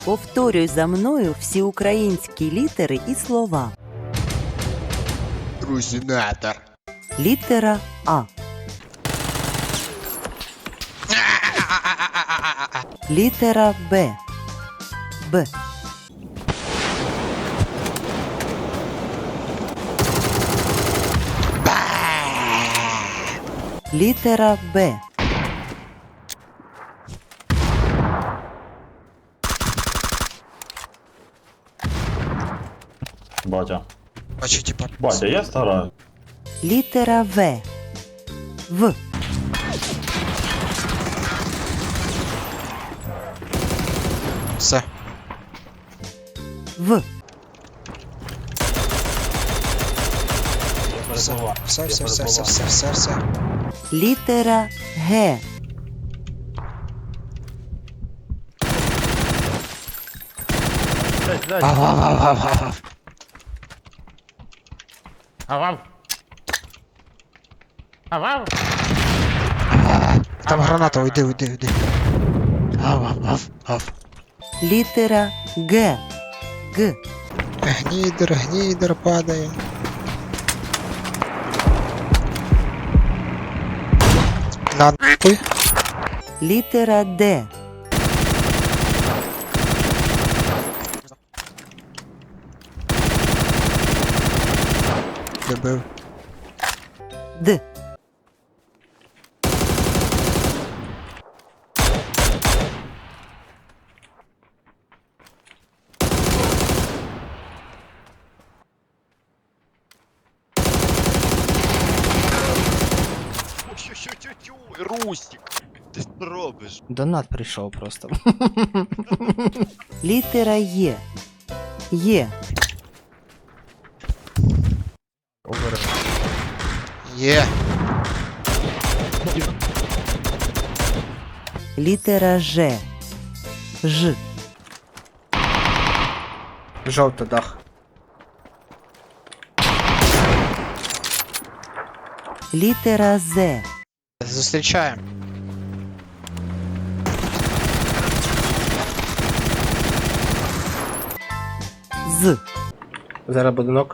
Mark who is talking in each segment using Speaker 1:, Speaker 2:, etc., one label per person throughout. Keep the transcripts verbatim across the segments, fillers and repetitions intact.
Speaker 1: Повторюй за мною всі українські літери і слова.
Speaker 2: Рузінатор.
Speaker 1: Літера А. Літера Б. Б. Літера Б.
Speaker 3: Батя.
Speaker 2: Бачу, типа.
Speaker 3: Батя, я стараюсь.
Speaker 1: Літера В. В.
Speaker 2: Все.
Speaker 1: В.
Speaker 2: Все, все, все, все, все, все, все, все.
Speaker 1: Літера Г.
Speaker 2: Ав-ав-ав-ав-ав.
Speaker 4: Авав. Авав.
Speaker 2: Там граната, уйди, уйди, уйди. Ав-ав-ав-ав.
Speaker 1: Літера Г. Г.
Speaker 2: Гнідер, гнідер падає. На нахуй.
Speaker 1: Літера Д.
Speaker 2: Добив.
Speaker 1: Д.
Speaker 5: Тю-тю-тю-тю, Рустик, ти що робиш?
Speaker 4: Донат прийшов просто.
Speaker 1: Літера Є. Є.
Speaker 2: Є.
Speaker 1: Літера Ж. Ж.
Speaker 4: Жовто дах.
Speaker 1: Літера З.
Speaker 2: Зустрічаємо.
Speaker 1: З.
Speaker 4: Зараз буде нок.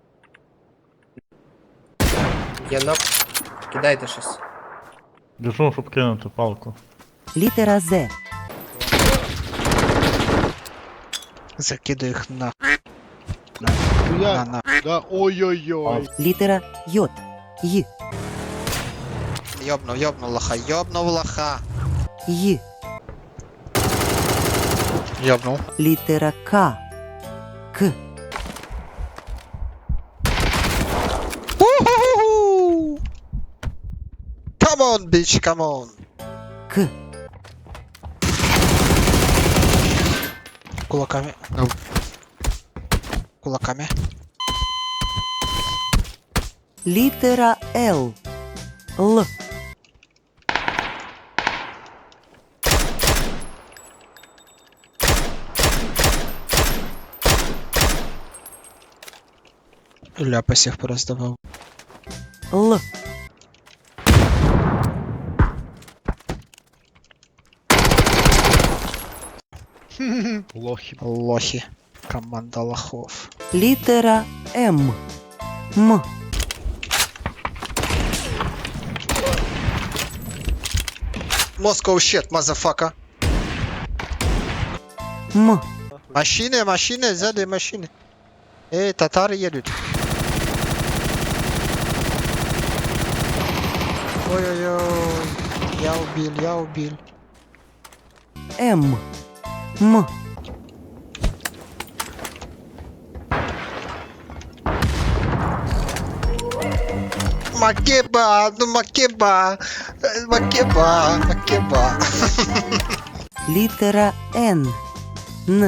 Speaker 4: Є нок. Кидайте щось.
Speaker 3: Біжу, щоб кинути палку.
Speaker 1: Літера З.
Speaker 2: Закидаю їх на.
Speaker 5: Я,
Speaker 2: На, на.
Speaker 5: да, ой-ой-ой.
Speaker 1: Літера Й. Й.
Speaker 2: Йобнув, йобнув лоха, йобнув лоха.
Speaker 1: Й.
Speaker 2: Йобнув.
Speaker 1: Літера К. К.
Speaker 2: Уху! Come on, bitch, come on.
Speaker 1: К.
Speaker 2: Кулаками. Ну. Кулаками.
Speaker 1: Літера Л. Л.
Speaker 2: Ляпасів пороздавав.
Speaker 1: Л.
Speaker 5: Лохи.
Speaker 2: Лохи. Команда лохов.
Speaker 1: Літера М. М.
Speaker 2: Moscow shit, motherfucker.
Speaker 1: М.
Speaker 2: Машини, машини, сзади машини. Эй, татары едут. Ой-ой-ой. Я убил, я убил.
Speaker 1: М. М.
Speaker 2: Макеба, ну макеба. Э, Макеба, макеба.
Speaker 1: Літера Н. Н.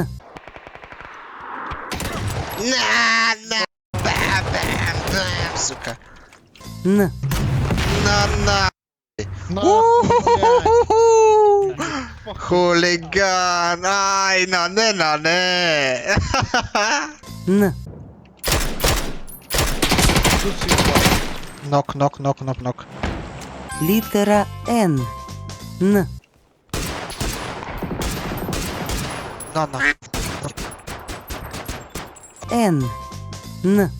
Speaker 2: На, на, бам, бам, бам, сука.
Speaker 1: Н.
Speaker 2: На, на.
Speaker 5: На,
Speaker 2: У-ху-ху-ху-ху. Хулиган, ай, на не, на не.
Speaker 1: Н.
Speaker 2: Нок, нок, нок, нок, нок.
Speaker 1: Літера Н. Н.
Speaker 2: На, на.
Speaker 1: Н, Н,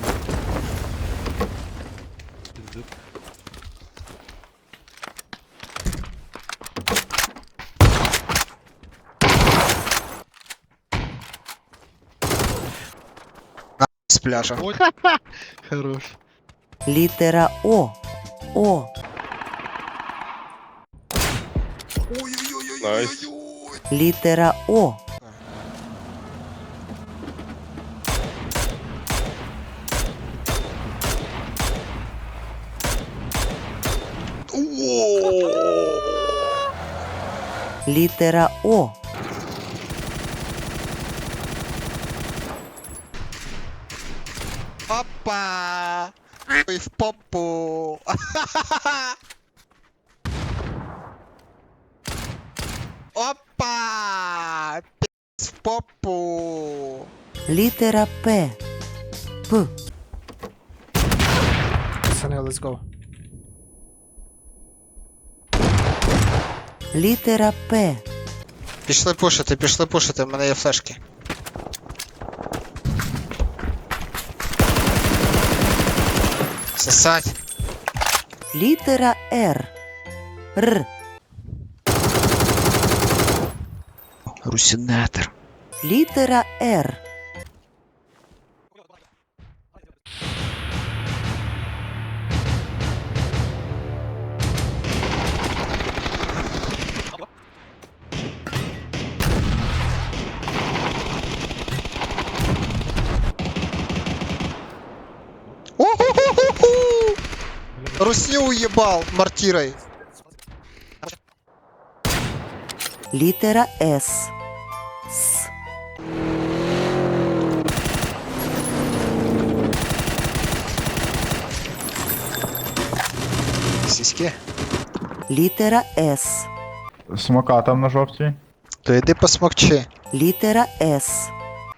Speaker 2: З пляжа.
Speaker 5: Хорош.
Speaker 1: літера О, О,
Speaker 5: Найс.
Speaker 1: літера О, літера О,
Speaker 2: Опа! Ой, в попу. Опа! Пи***ц в попу.
Speaker 1: літера П, П,
Speaker 4: Пацани, let's go.
Speaker 1: літера П,
Speaker 2: Пішли пушити, пішли пушити, в мене є флешки. Сосать.
Speaker 1: літера Р, Р,
Speaker 2: Русінетер.
Speaker 1: літера Р,
Speaker 2: У-ху-ху-ху-ху! Русню уебал мортирой.
Speaker 1: літера С, С,
Speaker 2: Сіськи.
Speaker 1: літера С,
Speaker 3: Смока там на жовтій.
Speaker 2: То йди посмокчи.
Speaker 1: літера С,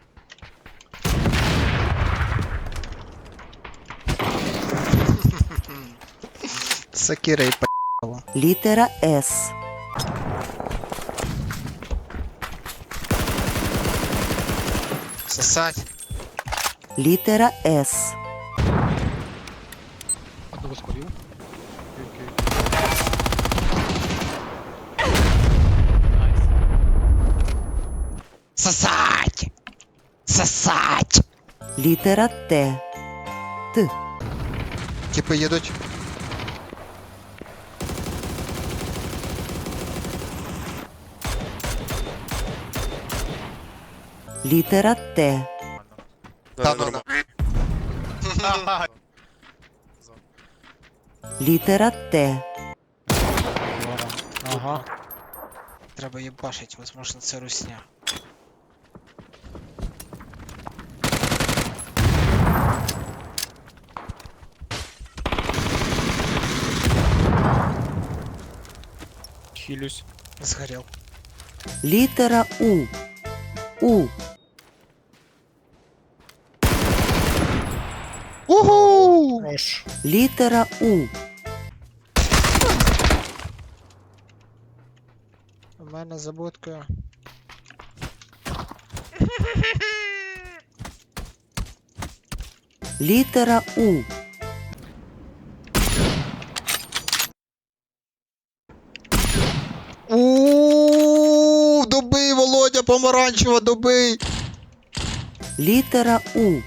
Speaker 2: Сакира і по***ла.
Speaker 1: літера С,
Speaker 2: Сосать.
Speaker 1: літера С,
Speaker 5: Одного спалив.
Speaker 2: Сосать! Сосать!
Speaker 1: літера Т, Т,
Speaker 2: Типи їдуть.
Speaker 1: літера Т,
Speaker 2: Та ну ну.
Speaker 1: літера Т,
Speaker 2: Ага. Треба їбашить, возможно, це русня.
Speaker 5: Хилюсь.
Speaker 2: Згорел.
Speaker 1: літера У, У,
Speaker 2: Угу!
Speaker 1: літера У,
Speaker 2: У мене за будкою.
Speaker 1: літера У,
Speaker 2: Ууу, добий, Володя, помаранчева, добий!
Speaker 1: літера У,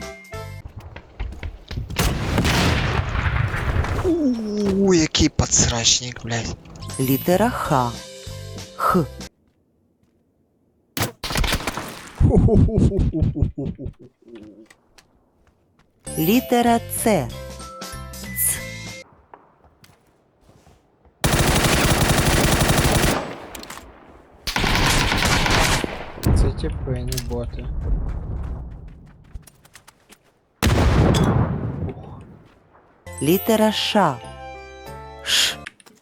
Speaker 2: Ууу, який подсрачник, блядь.
Speaker 1: літера Х, Х, літера Ц, Ц,
Speaker 4: Це типи, не боти.
Speaker 1: літера Ш, Ш,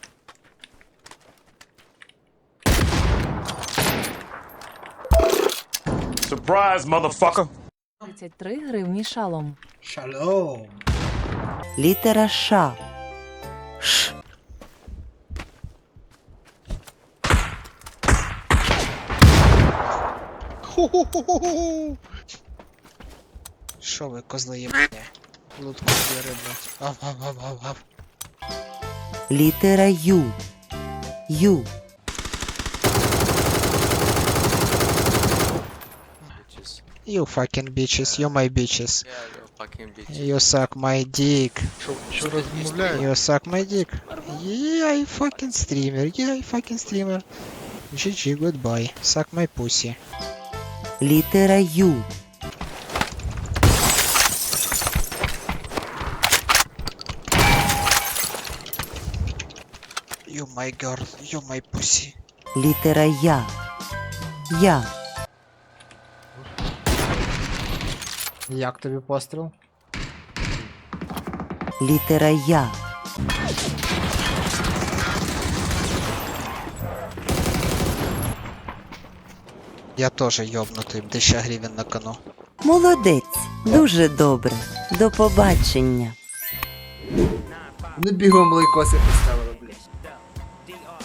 Speaker 6: Surprise, motherfucker!
Speaker 7: тридцять три гривні шалом.
Speaker 4: Шалом!
Speaker 1: літера Ш, Ш,
Speaker 4: Що ви, козли єбані? Лутку збери, блядь. Ав, ав, ав, ав, ав.
Speaker 1: Літера Ю. Ю.
Speaker 4: You fucking bitches, you my bitches. You suck my dick.
Speaker 2: Що розмовляє?
Speaker 4: You suck my dick. Yeah, I fucking streamer. Yeah, I fucking streamer. джі джі, goodbye. Suck my pussy.
Speaker 1: Літера Ю.
Speaker 4: You my girl, you my pussy.
Speaker 1: Літера Я. Я.
Speaker 4: Як тобі постріл?
Speaker 1: Літера Я.
Speaker 4: Я теж йобнутий, тисяча гривень на кону.
Speaker 1: Молодець. Дуже добре. До побачення.
Speaker 4: Не бігом лайкоси